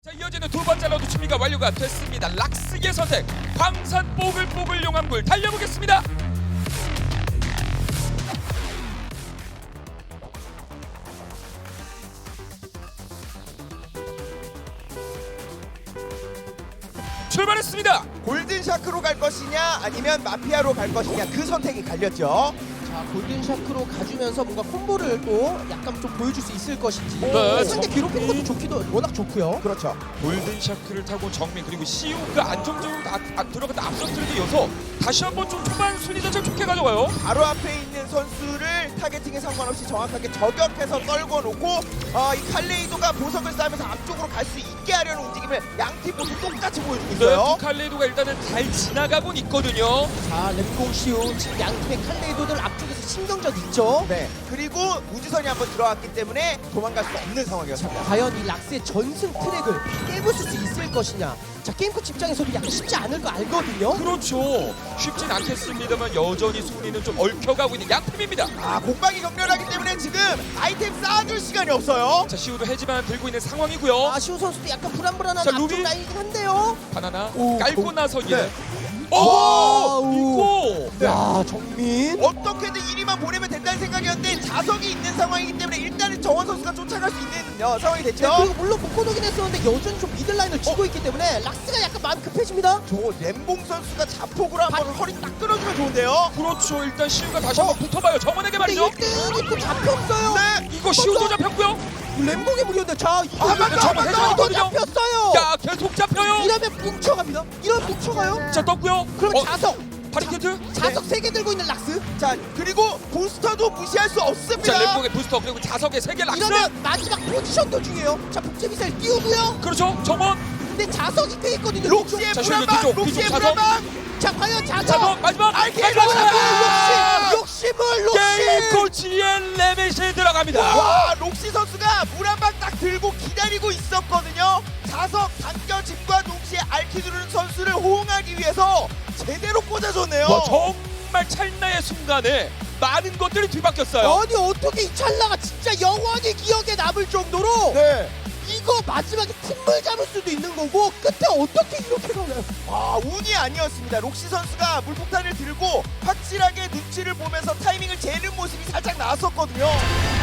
자, 이어지는 두 번째 라운드 준비가 완료가 됐습니다. 락스의 선택, 광산 뽀글뽀글 용암굴 달려보겠습니다. 출발했습니다. 골든 샤크로 갈 것이냐 아니면 마피아로 갈 것이냐 그 선택이 갈렸죠. 자, 골든 샤크로 가주면서 뭔가 콤보를 또 약간 좀 보여줄 수 있을 것인지. 네, 상대 괴롭히는 것도 좋기도 워낙 좋고요. 그렇죠. 골든 샤크를 타고 정민 그리고 시우가 안정적으로 들어갔다 앞서트를 이어서 다시 한번 좀 초반 순위 자체를 좋게 가져가요. 바로 앞에 있는 선수를 타겟팅에 상관없이 정확하게 저격해서 떨궈 놓고 이 칼레이도가 보석을 쌓으면서 앞쪽으로 갈 수 있게 하려는 움직임을 양팀 모두 똑같이 보여주고 네, 있어요. 칼레이도가 일단은 잘 지나가곤 있거든요. 자, 랩공 시우 지금 양팀의 칼레이도들 앞쪽에서 신경전 있죠. 네. 그리고 우주선이 한번 들어왔기 때문에 도망갈 수 없는 상황이었습니다. 과연 이 락스의 전승 트랙을 깨부술 수 있을 것이냐. 자, 게임코치 입장에서도 약간 쉽지 않을 거 알거든요. 그렇죠. 쉽진 않겠습니다만 여전히 순위는 좀 얽혀가고 있는 양팀입니다. 공방이 격렬하기 때문에 지금 아이템 쌓아줄 시간이 없어요. 자, 시우도 해지만 들고 있는 상황이고요. 아, 시우 선수도 약간 불안불안한 자, 앞쪽 루비. 라인이긴 한데요. 바나나 오, 깔고 나서 네. 이제 와우. 이거 네. 야, 정민. 어떻게든 이리만 보내면 된다는 생각이었는데 자석이 있는 상황이기 때문에 일단은 정원 선수가 쫓아갈 수 있는 상황이 네, 됐죠. 그리고 물론 묶어놓긴 했었는데 여전히 좀 미들라인을 쥐고 있기 때문에 락스가 약간 마음이 급해집니다. 저 램봉 선수가 자폭으로 한번 허리 딱 끊어주면 좋은데요. 그렇죠. 일단 시우가 다시 한번 붙어봐요. 정원에게 근데 말이죠. 1등이 또 잡혔어요. 네. 이거 시우도 잡혔고요. 램봉이 무리였는데 자, 이거 한 번 더, 한 번 더. 또 잡혔어요. 야, 계속 잡혀요. 이러면 뭉쳐갑니다. 이러면 뭉쳐가요. 자, 떴고요. 그럼 자석 바리케트. 자석 3개 들고 있는 락스. 자 그리고 부스터도 무시할 수 없습니다. 자, 램봉의 부스터 그리고 자석의 세개 락스. 이러면 마지막 포지션도 중요해요. 자, 복제 미사일 띄우고요. 그렇죠. 정원. 근데 자석이 꽤 있거든요. 록시의 자, 불안방, 뒤쪽, 록시의 뒤쪽 불안방. 자, 과연 자석. 자석 마지막. 알게 욕심을 게임 록시. 코치의 레벨시에 들어갑니다. 와 록시 선수가 물 한 방 딱 들고 기다리고 있었거든요. 자석 당겨짐과 동시에 알키두르는 선수를 호응하기 위해서 제대로 꽂아줬네요. 와, 정말 찰나의 순간에 많은 것들이 뒤바뀌었어요. 아니 어떻게 이 찰나가 진짜 영원히 기억에 남을 정도로 네. 이거 마지막에 팀을 잡을 수도 있는 거고 끝에 어떻게 이렇게 가나요? 운이 아니었습니다. 록시 선수가 물폭탄을 들고 확실하게 눈치를 보면서 타이밍을 재는 모습이 살짝 나왔었거든요.